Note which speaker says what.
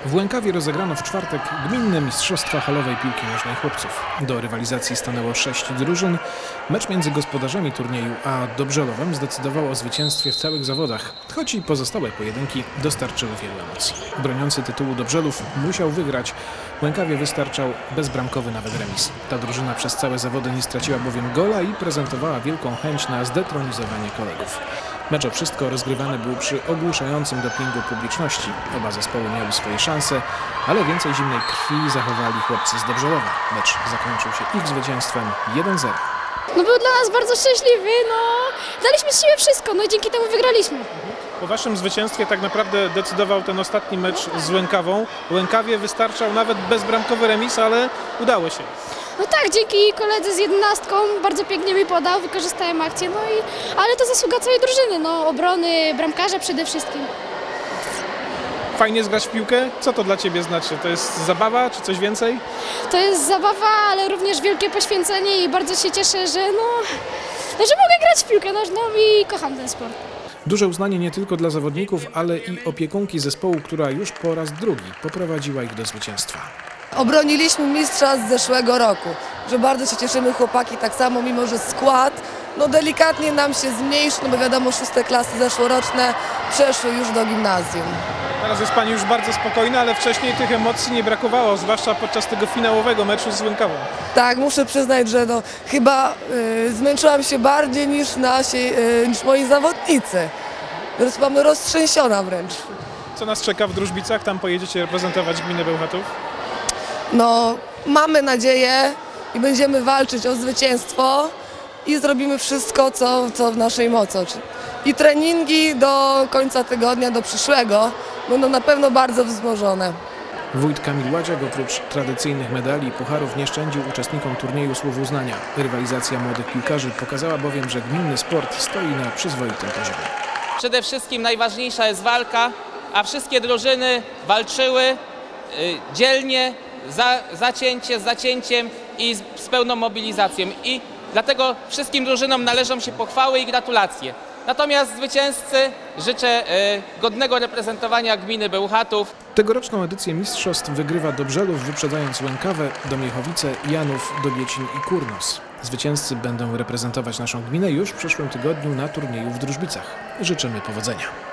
Speaker 1: W Łękawie rozegrano w czwartek gminne mistrzostwa halowej piłki nożnej chłopców. Do rywalizacji stanęło 6 drużyn. Mecz między gospodarzami turnieju a Dobrzelowem zdecydował o zwycięstwie w całych zawodach, choć i pozostałe pojedynki dostarczyły wielu emocji. Broniący tytułu Dobrzelów musiał wygrać. Łękawie wystarczał bezbramkowy nawet remis. Ta drużyna przez całe zawody nie straciła bowiem gola i prezentowała wielką chęć na zdetronizowanie kolegów. Mecz o wszystko rozgrywany był przy ogłuszającym dopingu publiczności. Oba zespoły miały swoje szanse, ale więcej zimnej krwi zachowali chłopcy z Dobrzelowa. Mecz zakończył się ich zwycięstwem 1-0.
Speaker 2: Był dla nas bardzo szczęśliwy, daliśmy z siebie wszystko, i dzięki temu wygraliśmy.
Speaker 3: Po waszym zwycięstwie tak naprawdę decydował ten ostatni mecz z Łękawą. Łękawie wystarczał nawet bezbramkowy remis, ale udało się.
Speaker 2: Tak, dzięki koledze z 11 bardzo pięknie mi podał, wykorzystałem akcję, ale to zasługa całej drużyny, obrony, bramkarza przede wszystkim.
Speaker 3: Fajnie zgrać w piłkę? Co to dla ciebie znaczy? To jest zabawa czy coś więcej?
Speaker 2: To jest zabawa, ale również wielkie poświęcenie i bardzo się cieszę, że mogę grać w piłkę nożną i kocham ten sport.
Speaker 1: Duże uznanie nie tylko dla zawodników, ale i opiekunki zespołu, która już po raz drugi poprowadziła ich do zwycięstwa.
Speaker 4: Obroniliśmy mistrza z zeszłego roku, że bardzo się cieszymy, chłopaki tak samo, mimo że skład delikatnie nam się zmniejszył, bo wiadomo, 6. klasy zeszłoroczne przeszły już do gimnazjum.
Speaker 3: Teraz jest pani już bardzo spokojna, ale wcześniej tych emocji nie brakowało, zwłaszcza podczas tego finałowego meczu z Łękawą.
Speaker 4: Tak, muszę przyznać, że chyba zmęczyłam się bardziej niż moi zawodnicy. Teraz mamy roztrzęsiona wręcz.
Speaker 3: Co nas czeka w Drużbicach? Tam pojedziecie reprezentować gminę Bełchatów?
Speaker 4: Mamy nadzieję i będziemy walczyć o zwycięstwo i zrobimy wszystko, co w naszej mocy. I treningi do końca tygodnia, do przyszłego, będą na pewno bardzo wzmożone.
Speaker 1: Wójt Kamil Ładziak oprócz tradycyjnych medali i pucharów nie szczędził uczestnikom turnieju słów uznania. Rywalizacja młodych piłkarzy pokazała bowiem, że gminny sport stoi na przyzwoitym poziomie.
Speaker 5: Przede wszystkim najważniejsza jest walka, a wszystkie drużyny walczyły dzielnie, z zacięciem i z pełną mobilizacją. I dlatego wszystkim drużynom należą się pochwały i gratulacje. Natomiast zwycięzcy życzę godnego reprezentowania gminy Bełchatów.
Speaker 1: Tegoroczną edycję mistrzostw wygrywa Dobrzelów, wyprzedzając Łękawę, Domiechowice, Janów, Dobiecin i Kurnos. Zwycięzcy będą reprezentować naszą gminę już w przyszłym tygodniu na turnieju w Drużbicach. Życzymy powodzenia.